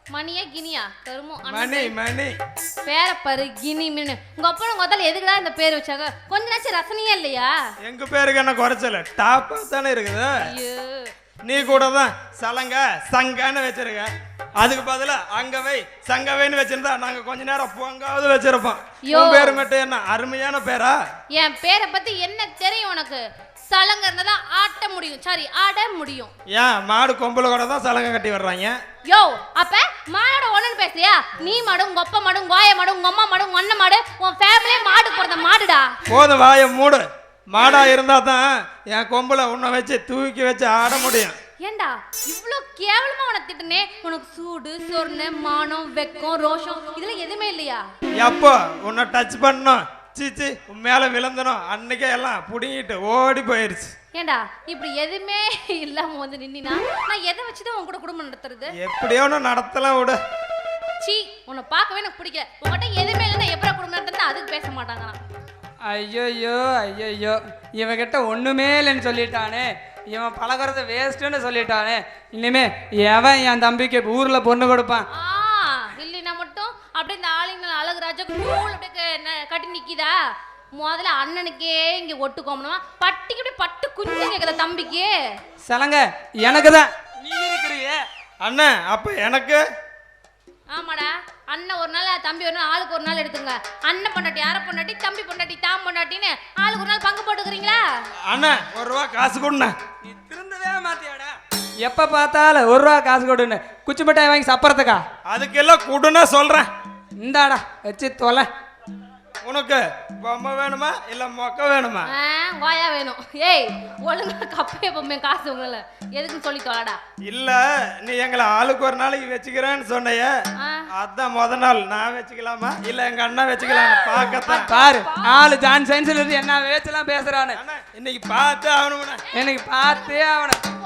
மணியா கினியா கருமோ மணி மணி பேரை பாரு கினி மீன் உங்க அப்பா முதல்ல எதுக்குடா இந்த பேர் வச்சாங்க கொஞ்ச நாச்சும் ரசனையே இல்லையா எங்க பேருக்கு என்ன குறைச்சல டாப்பா தானே இருக்குது ஐயோ நீ கூட தான் சலங்க சங்கன்னு வச்சிருக்க அதுக்கு பதிலா அங்கவை சங்கவைன்னு வச்சிருந்தா நாங்க கொஞ்ச நேரம் பொங்காவது வச்சிருப்போம் உன் பேரு மட்டும் என்ன அருமையான பேரா என் பேரை பத்தி என்ன தெரியும் உனக்கு சலங்க இருந்தா ஆட்ட முடியும் சாரி ஆட முடியும் ஏன் மாடு கொம்புல கூட தான் சலங்க கட்டி வர்றாங்க யோ அப்ப மாடோட ஒண்ணுன்னு பேசுறியா நீ மாடு உங்க அப்பா மாடு உங்க ஆயா மாடு உங்க அம்மா மாடு உங்க அண்ணன் மாடு உன் ஃபேமிலியே மாடு பிறந்த மாடுடா போதும் வாய மூடு மாடா இருந்தா தான் என் கொம்புல உன்னை வச்சு தூக்கி வச்சு ஆட முடியும் ஏண்டா இவ்ளோ கேவலமா உனக்கு திட்டுனே உனக்கு சூடு சொர்ண மானம் வெக்கம் ரோஷம் இதெல்லாம் எதுவுமே இல்லையா எப்போ உன்னை டச் பண்ணணும் சீச்சி உன் மேல விழுந்தனும் அன்னைக்கே எல்லாம் புடுங்கிட்டு ஓடி போயிருச்சு ஏண்டா இப்படி எதுவுமே இல்லாம வந்து நின்னா நான் எதை வச்சுதான் உன் கூட குடும்பம் நடத்துறது எப்படியோ ஒன்று நடத்தலாம் விடு சீ உன்னை பார்க்கவே எனக்கு பிடிக்கல உங்ககிட்ட எதுவுமே இல்லைன்னா எப்படா குடும்பம் நடத்துறது அதுக்கு பேச மாட்டாங்களாம் ஐயோ ஐயோ இவன்கிட்ட ஒண்ணுமே இல்லைன்னு சொல்லிட்டானே இவன் பழகிறத வேஸ்ட்டுன்னு சொல்லிட்டானே இனிமே எவன் என் தம்பிக்கு ஊர்ல பொண்ணு கொடுப்பான் இல்லைன்னா மட்டும் அப்படியே இந்த ஆளுங்க அழகுராஜா கூழ் அப்படியே கட்டி நிக்கிதா முதல்ல அண்ணனுக்கே இங்க ஒட்டுக்கோமணுமா பட்டிக்கு அப்படியே பட்டு குஞ்சு கேக்குதா தம்பிக்கு சலங்க எனக்கு தான் நீ இருக்கிறியே அண்ணன் அப்ப எனக்கு ஆமாடா அண்ணன் ஒரு நாள் தம்பி ஒரு நாள் ஆளுக்கு ஒரு நாள் எடுத்துங்க அண்ணன் பொண்டாட்டி யார பொண்டாட்டி தம்பி பொண்டாட்டி தாம் பொண்டாட்டின்னு ஆளுக்கு ஒரு நாள் பங்கு போட்டுக்கிறீங்களா அண்ணன் ₹1 காசு கொடுண்ண நீ திருந்தவே மாத்தியாடா எப்ப பார்த்தாலும் ₹1 காசு கொடுன்னு குச்சி மிட்டாய் வாங்கி சாப்பிட்றதுக்கா அதுக்கெல்லாம் கொடுன்னு சொல்றேன் இந்தாடா வச்சு தொலை உனக்கு பொம்மை வேணுமா இல்ல மொக்க வேணுமா வாயா வேணும் ஏய் ஒழுங்கா கப்பைய பொம்மை காசு உங்கள எதுக்குன்னு சொல்லி தொலைடா இல்ல நீ எங்களை ஆளுக்கு ஒரு நாளைக்கு வச்சுக்கிறேன்னு சொன்னைய அதான் முத நாள் நான் வச்சுக்கலாமா இல்ல எங்க அண்ணா வச்சுக்கலாம் பாக்கத்தான் பாரு ஆளு ஜான் சயின்ஸ்ல இருந்து என்ன வேச்செல்லாம் பேசுறானு இன்னைக்கு பார்த்தே ஆகணும் எனக்கு பார்த்தே ஆகணும்